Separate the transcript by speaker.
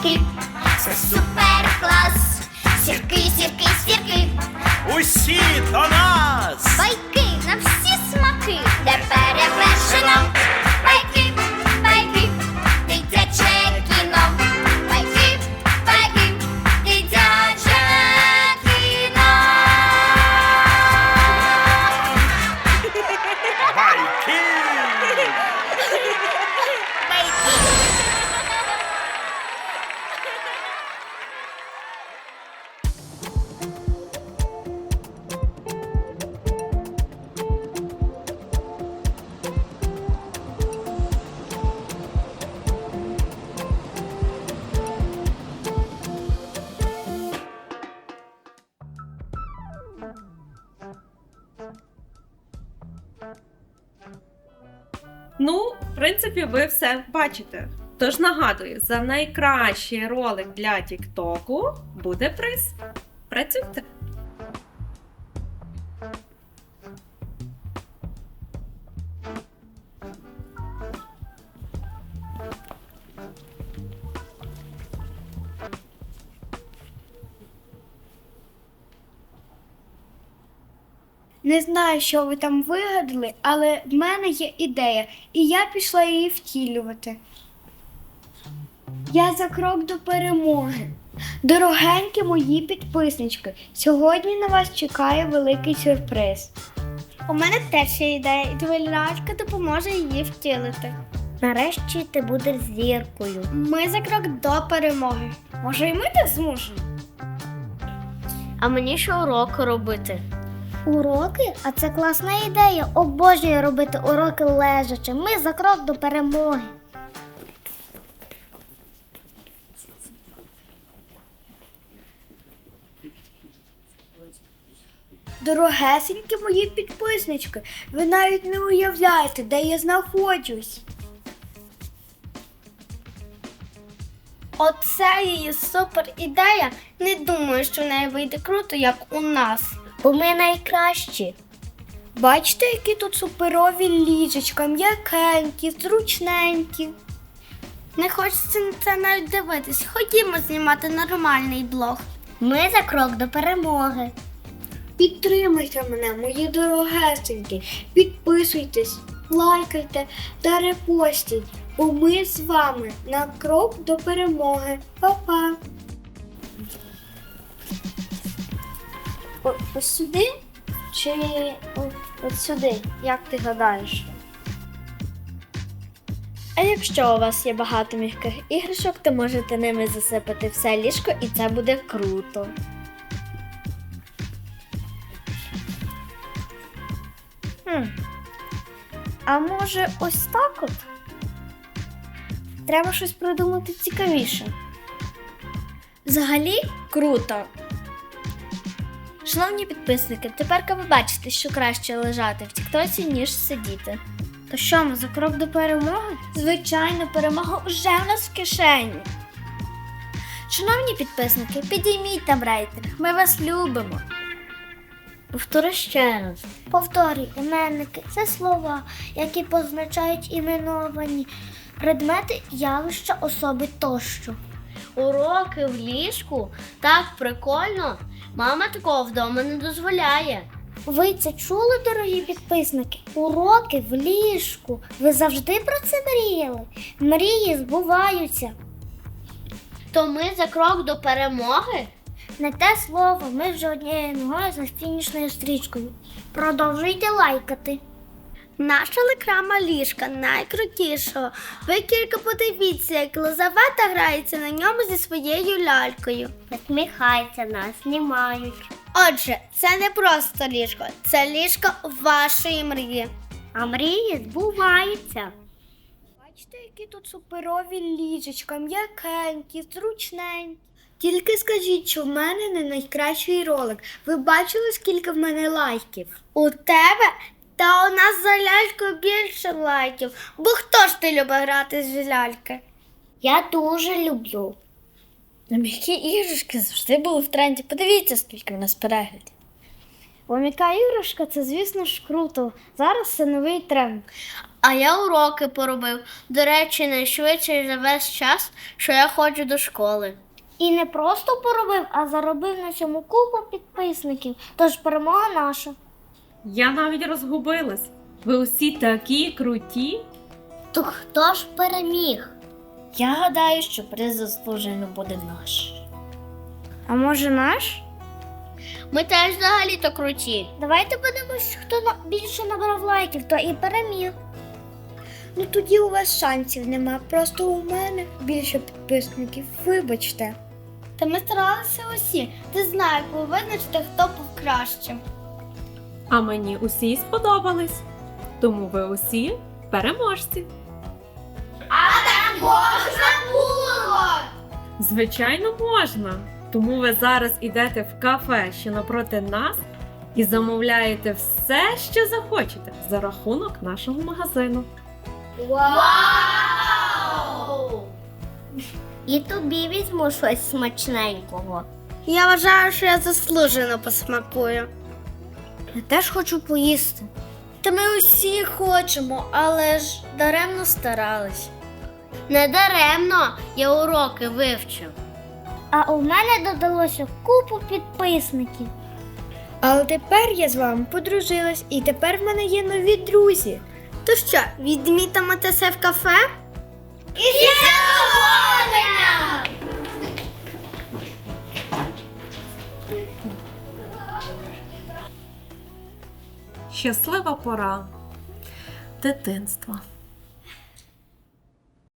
Speaker 1: сірки, це супер клас. Сірки, сірки, сірки,
Speaker 2: Усі до нас!
Speaker 1: байки на всі смаки, де перевершено. Байки, байки, дитяче кіно. Байки, байки, дитяче кіно.
Speaker 2: Байки!
Speaker 3: Ну, в принципі, ви все бачите. Тож нагадую, за найкращий ролик для Тіктоку буде приз. Працюйте!
Speaker 4: Не знаю, що ви там вигадали, але в мене є ідея, і я пішла її втілювати. Я за крок до перемоги. Дорогенькі мої підписнички, сьогодні на вас чекає великий сюрприз. У мене теж є ідея, і твоя лялька допоможе її втілити. Нарешті ти будеш зіркою. Ми за крок до перемоги. Може, і ми так зможемо?
Speaker 5: А мені ще уроки робити.
Speaker 4: Уроки? А це класна ідея. Обожнюю робити уроки лежачи. Ми за крок до перемоги. Дорогесенькі мої підписнички, ви навіть не уявляєте, де я знаходжусь. Оце її супер ідея. Не думаю, що в неї вийде круто, як у нас.
Speaker 5: Бо ми найкращі.
Speaker 4: Бачите, які тут суперові ліжечка, м'якенькі, зручненькі. Не хочеться на це навіть дивитись. Ходімо знімати нормальний блог.
Speaker 5: Ми за крок до перемоги.
Speaker 4: Підтримуйте мене, мої дорогесенькі. Підписуйтесь, лайкайте та репостіть. Бо ми з вами на крок до перемоги. Па-па! Ось сюди чи ось сюди? Як ти гадаєш? А якщо у вас є багато м'яких іграшок, то можете ними засипати все ліжко, і це буде круто. А може ось так от? Треба щось придумати цікавіше. Взагалі круто. Шановні підписники, тепер ви бачите, що краще лежати в тіктоці, ніж сидіти. То що, ми за крок до перемоги? Звичайно, перемога вже в нас в кишені. Шановні підписники, підійміть там рейтинг, ми вас любимо.
Speaker 5: Повтори ще раз.
Speaker 4: Повторюй, іменники – це слова, які позначають іменовані предмети, явища, особи тощо.
Speaker 5: Уроки в ліжку? Так прикольно. Мама такого вдома не дозволяє.
Speaker 4: Ви це чули, дорогі підписники? Уроки в ліжку. Ви завжди про це мріяли? Мрії збуваються.
Speaker 5: То ми за крок до перемоги?
Speaker 4: Не те слово, ми вже однією ногою за фінішною стрічкою. Продовжуйте лайкати. Наша реклама ліжка найкрутішого. Ви тільки подивіться, як Лизавета грається на ньому зі своєю лялькою.
Speaker 5: Посміхайся, нас знімають.
Speaker 4: Отже, це не просто ліжко, це ліжко вашої мрії.
Speaker 5: А мрії збуваються.
Speaker 4: Бачите, які тут суперові ліжечка, м'якенькі, зручненькі. Тільки скажіть, що в мене не найкращий ролик. Ви бачили, скільки в мене лайків? У тебе? Та у нас за лялькою більше лайків. Бо хто ж ти любить грати з ляльки?
Speaker 5: Я дуже люблю.
Speaker 4: М'які іграшки завжди були в тренді. Подивіться, скільки в нас переглядів. М'яка іграшка це, звісно ж, круто. Зараз це новий тренд.
Speaker 5: А я уроки поробив. До речі, найшвидше за весь час, що я ходжу до школи.
Speaker 4: І не просто поробив, а заробив на цьому купу підписників. Тож перемога наша.
Speaker 3: Я навіть розгубилась. Ви усі такі круті.
Speaker 5: То хто ж переміг?
Speaker 4: Я гадаю, що приз заслужено буде наш. А може наш?
Speaker 5: Ми теж взагалі-то круті.
Speaker 4: Давайте подивимось, хто більше набрав лайків, то і переміг. Ну тоді у вас шансів нема, просто у мене більше підписників, вибачте. Та ми старалися усі. Ти знаєш, ви визначите, хто був кращим.
Speaker 3: А мені усі сподобались. Тому ви усі переможці.
Speaker 5: Можна було!
Speaker 3: Звичайно, можна. Тому ви зараз ідете в кафе, що напроти нас, і замовляєте все, що захочете, за рахунок нашого магазину.
Speaker 5: Вау! І тобі візьму щось смачненького.
Speaker 4: Я вважаю, що я заслужено посмакую. Я теж хочу поїсти. Та ми усі хочемо, але ж даремно старались.
Speaker 5: Не даремно, я уроки вивчив.
Speaker 4: А у мене додалося купу підписників. Але тепер я з вами подружилась, і тепер в мене є нові друзі. То що, відмітимо це в кафе? І задоволення!
Speaker 3: Щаслива пора дитинства.